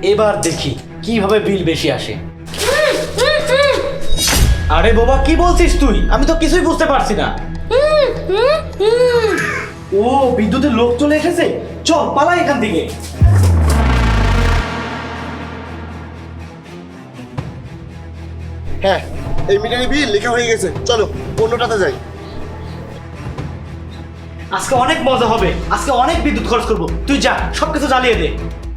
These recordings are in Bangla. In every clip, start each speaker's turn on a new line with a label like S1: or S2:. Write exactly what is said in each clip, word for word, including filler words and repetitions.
S1: এবার দেখি কিভাবে বিল বেশি আসে। আরে বাবা কি বলছিস তুই? আমি তো কিছুই বুঝতে পারছি না। ও বিদ্যুতের লোক চলে এসেছে, চল পালাই এখান থেকে।
S2: হ্যাঁ, এই মিটারের বিল লেখা হয়ে গেছে, চলো অন্যটাতে যাই।
S1: আজকে অনেক মজা হবে, আজকে অনেক বিদ্যুৎ খরচ করবো। তুই যা সবকিছু জ্বালিয়ে দে।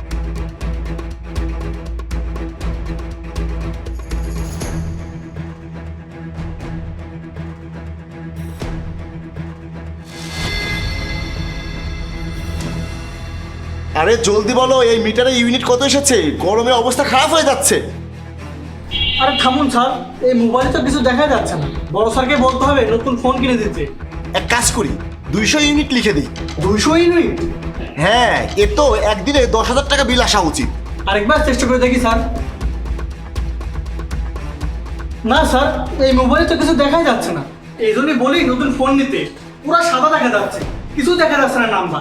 S2: আরে জলদি বলো, এই মিটারে ইউনিট কত এসেছে? গরমে অবস্থা খারাপ হয়ে যাচ্ছে।
S3: আরে থামুন স্যার, এই মোবাইলে তো কিছু দেখা যাচ্ছে না। বড় স্যারকে বলতে হবে নতুন ফোন কিনে দিতে।
S2: এক কাজ করি, দুইশো ইউনিট লিখে দিই।
S3: দুইশো ইউনিট?
S2: হ্যাঁ, এর তো একদিনে দশ হাজার টাকা বিল আসা উচিত।
S3: আরেকবার চেষ্টা করে দেখি স্যার। না স্যার, এই মোবাইলে তো কিছু দেখাই যাচ্ছে না। এই জন্যই বলি নতুন ফোন নিতে। পুরো সাদা দেখা যাচ্ছে, কিছু দেখা যাচ্ছে না নাম্বার।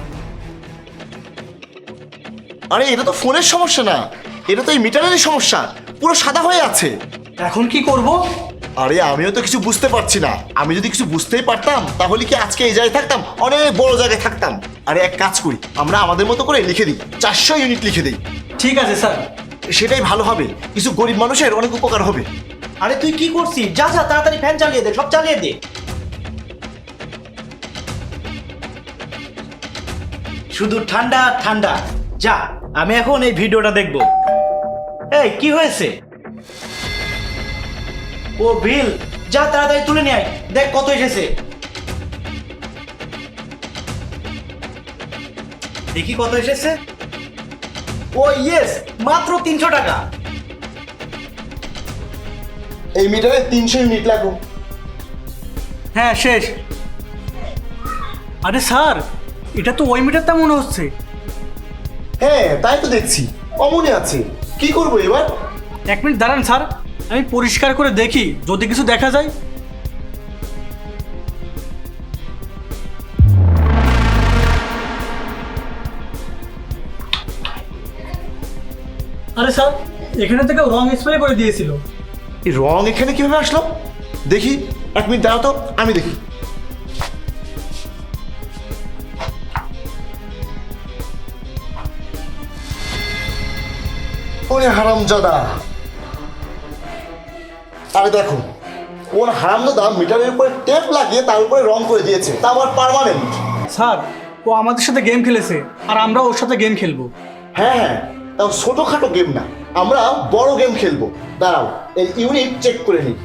S2: আরে এটা তো ফোনের সমস্যা না, এটা তো এই মিটারেরই সমস্যা, পুরো সাদা হয়ে আছে।
S3: এখন কি করব?
S2: আরে আমিও তো কিছু বুঝতে পারছি না। আমি যদি কিছু বুঝতেই পারতাম তাহলে কি আজকে এই জায়গায় থাকতাম, অনেক বড় জায়গায় থাকতাম। আরে এক কাজ করি, আমরা আমাদের মতো করে লিখে দিই, চারশো ইউনিট লিখে দিই।
S3: ঠিক আছে স্যার।
S2: সেটাই ভালো হবে, কিছু গরিব মানুষের অনেক উপকার হবে।
S1: আরে তুই কি করছিস? যা যা তাড়াতাড়ি ফ্যান চালিয়ে দে, সব চালিয়ে দে। শুধু ঠান্ডা ঠান্ডা। যা, আমি এখন এই ভিডিওটা দেখব। এই কি হয়েছে? ও বিল, যা তাড়াতাড়ি তুলে নিয়ে আয়, দেখ কত এসেছে। দেখি কত এসেছে। ও ইয়েস, মাত্র তিনশো টাকা।
S2: এই মিটারে তিনশো ইউনিট লাগবে।
S3: হ্যাঁ শেষ। আরে স্যার, এটা তো ওই মিটারটা মনে হচ্ছে।
S2: হ্যাঁ তাই তো দেখছি, অমনে আছে। কি করবো এবার?
S3: এক মিনিট দাঁড়ান স্যার, আমি পরিষ্কার করে দেখি যদি কিছু দেখা যায়। আরে স্যার, এখানে থেকে রং স্প্রে করে দিয়েছিল।
S2: এই রং এখানে কিভাবে আসলো? দেখি, এক মিনিট দাঁড়াও তো, আমি দেখি। ওরে হারামজাদা! আরে দেখো, কোন হারামজাদা মিটারের উপরে টেপ লাগিয়ে তার উপরে রং করে দিয়েছে, তা আবার পার্মানেন্ট।
S3: স্যার, ও আমাদের সাথে গেম খেলেছে আর আমরা ওর সাথে গেম খেলবো।
S2: হ্যাঁ হ্যাঁ, তাও ছোটোখাটো গেম না, আমরা বড় গেম খেলবো। দাঁড়াও, এই ইউনিট চেক করে নিই।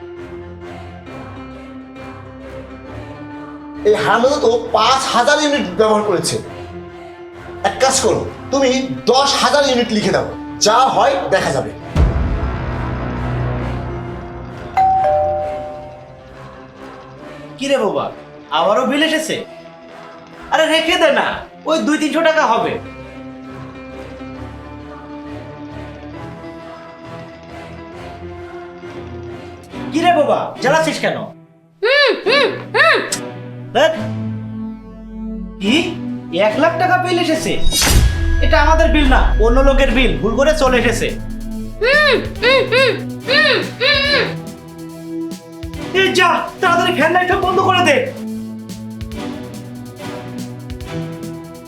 S2: এই হারামজাদা তো পাঁচ হাজার ইউনিট ব্যবহার করেছে। এক কাজ করো, তুমি দশ হাজার ইউনিট লিখে দাও, যা হয় দেখা যাবে।
S1: কি রে বাবা, আবারও বিল এসেছে? আরে রেখে দে না, ওই দুই তিনশো টাকা হবে। কি রে বাবা, জ্বালাচ্ছিস কেন? ধ্যাৎ। কি এক লাখ টাকা বিল এসেছে? এটা আমাদের বিল না, অন্য লোকের বিল, ভুল করে চলে এসেছে। এই যা তাড়াতাড়ি ফ্যান লাইটটা বন্ধ করে দে।